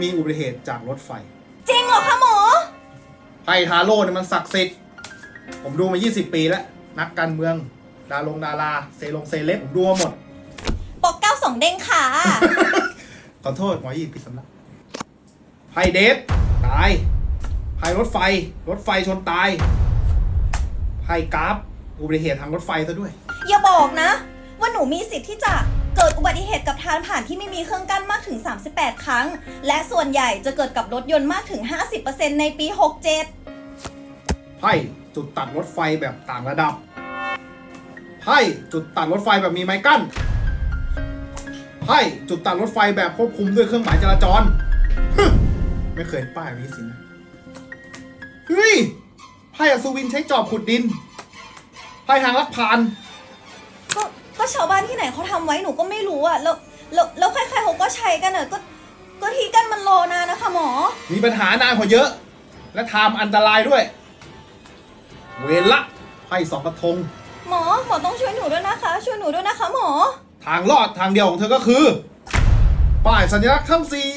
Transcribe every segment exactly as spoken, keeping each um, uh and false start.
มีอุบัติเหตุจากรถไฟจริงเหรอคะหมอไพ่ทาโร่เนี่ยมันศักดิ์สิทธิ์ผมดูมายี่สิบปีแล้วนักการเมืองดารงดาราเซลงเซเลบผมดูมาหมดปกเก้าสองเด้งค่ะขอโทษหมอยี่ผิดสำนักไพ่เดฟตายไพ่รถไฟรถไฟชนตายไพ่กราฟอุบัติเหตุทางรถไฟซะด้วยอย่าบอกนะว่าหนูมีสิทธิ์ที่จะเกิดอุบัติเหตุกับทางผ่านที่ไม่มีเครื่องกั้นมากถึงสามสิบแปดครั้งและส่วนใหญ่จะเกิดกับรถยนต์มากถึง ห้าสิบเปอร์เซ็นต์ ในปีหกเจ็ดไพ่จุดตัดรถไฟแบบต่างระดับไพ่จุดตัดรถไฟแบบมีไม้กั้นไพ่จุดตัดรถไฟแบบควบคุมด้วยเครื่องหมายจราจรไม่เคยป้ายแบบนี้สินะเฮ้ยไพ่อัศวินใช้จอบขุดดินไพ่ทางลักพานก็ก็ชาวบ้านที่ไหนเขาทำไว้หนูก็ไม่รู้อ่ะแล้วแล้วแล้วใครๆเขาก็ใช้กันอ่ะก็ก็ที่กั้นมันรอนานนะคะหมอมีปัญหานานกว่าเยอะและทำอันตรายด้วยเวรละไพ่สองกระทงหมอหมอต้องช่วยหนูด้วยนะคะช่วยหนูด้วยนะคะหมอทางรอดทางเดียวของเธอก็คือป้ายสัญลักษณ์ทั้งสี่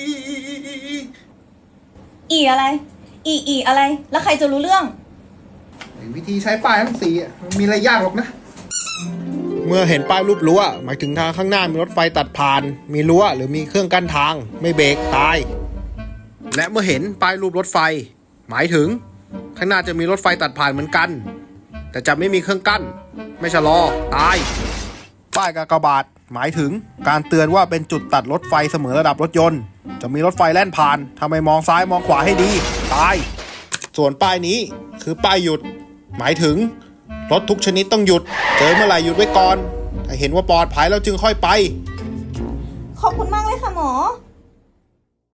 อีอะไรอีอีอะไรแล้วใครจะรู้เรื่องวิธีใช้ป้ายทั้งสี่มันมีอะไรยากหรอกนะเมื่อเห็นป้ายรูปรั้วหมายถึงทางข้างหน้ามีรถไฟตัดผ่านมีรั้วหรือมีเครื่องกั้นทางไม่เบรกตายและเมื่อเห็นป้ายรูปรถไฟหมายถึงข้างหน้าจะมีรถไฟตัดผ่านเหมือนกันแต่จะไม่มีเครื่องกั้นไม่ชะลอตายป้ายกากบาทหมายถึงการเตือนว่าเป็นจุดตัดรถไฟเสมอระดับรถยนต์จะมีรถไฟแล่นผ่านทำไมมองซ้ายมองขวาให้ดีตายส่วนป้ายนี้คือป้ายหยุดหมายถึงรถทุกชนิดต้องหยุดเจอเมื่อไหร่หยุดไว้ก่อนถ้าเห็นว่าปลอดภัยแล้วจึงค่อยไปขอบคุณมากเลยค่ะหมอ